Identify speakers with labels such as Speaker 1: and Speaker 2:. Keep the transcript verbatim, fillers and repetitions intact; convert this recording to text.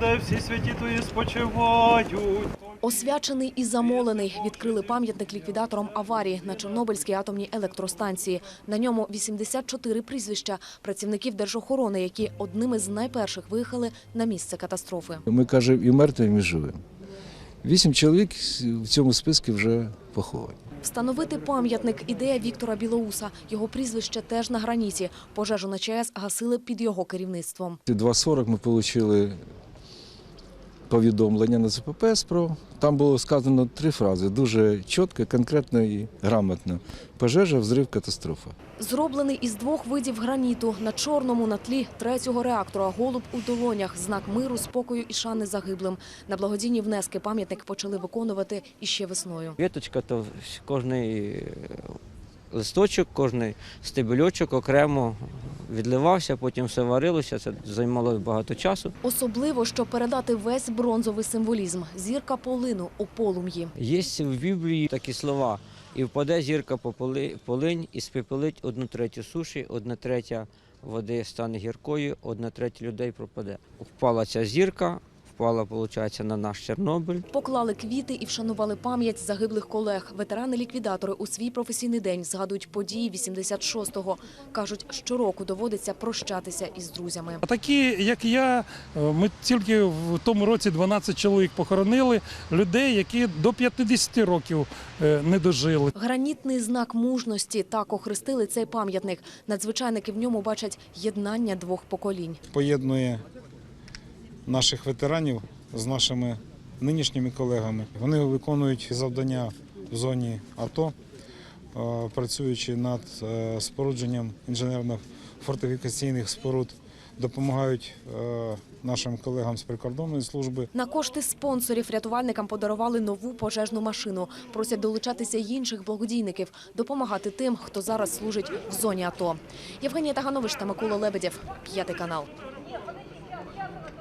Speaker 1: де всі святі Твої спочивають.
Speaker 2: Освячений і замолений відкрили пам'ятник ліквідаторам аварії на Чорнобильській атомній електростанції. На ньому вісімдесят чотири прізвища працівників держохорони, які одними з найперших виїхали на місце катастрофи.
Speaker 3: Ми кажемо і мертвим, і живим. Вісім чоловік в цьому списку вже поховані.
Speaker 2: Встановити пам'ятник – ідея Віктора Білоуса. Його прізвище теж на граніті. Пожежу на ЧАЕС гасили під його керівництвом.
Speaker 3: два сорок ми отримали повідомлення на З П П С про. Там було сказано три фрази, дуже чітко, конкретно і грамотно. Пожежа, взрив, катастрофа.
Speaker 2: Зроблений із двох видів граніту. На чорному на тлі третього реактора голуб у долонях – знак миру, спокою і шани загиблим. На благодійні внески пам'ятник почали виконувати іще весною.
Speaker 4: Віточка, то кожний листочок, кожний стебельочок окремо відливався, потім все варилося, це займало багато часу.
Speaker 2: Особливо, щоб передати весь бронзовий символізм – зірка полину у полум'ї.
Speaker 4: Є в Біблії такі слова: «І впаде зірка по полинь, і спепелить одну третю суші, одна третя води стане гіркою, одна третя людей пропаде». Впала ця зірка, впала, виходить, на наш Чорнобиль.
Speaker 2: Поклали квіти і вшанували пам'ять загиблих колег. Ветерани-ліквідатори у свій професійний день згадують події вісімдесят шостого. Кажуть, щороку доводиться прощатися із друзями.
Speaker 5: А такі, як я, ми тільки в тому році дванадцять чоловік похоронили, людей, які до п'ятдесяти років не дожили.
Speaker 2: Гранітний знак мужності – так охрестили цей пам'ятник. Надзвичайники в ньому бачать єднання двох поколінь.
Speaker 6: Поєднує наших ветеранів з нашими нинішніми колегами. Вони виконують завдання в зоні АТО, працюючи над спорудженням інженерно-фортифікаційних споруд, допомагають нашим колегам з прикордонної служби.
Speaker 2: На кошти спонсорів рятувальникам подарували нову пожежну машину. Просять долучатися й інших благодійників, допомагати тим, хто зараз служить в зоні АТО. Євгенія Таганович та Микола Лебедєв, п'ятий канал.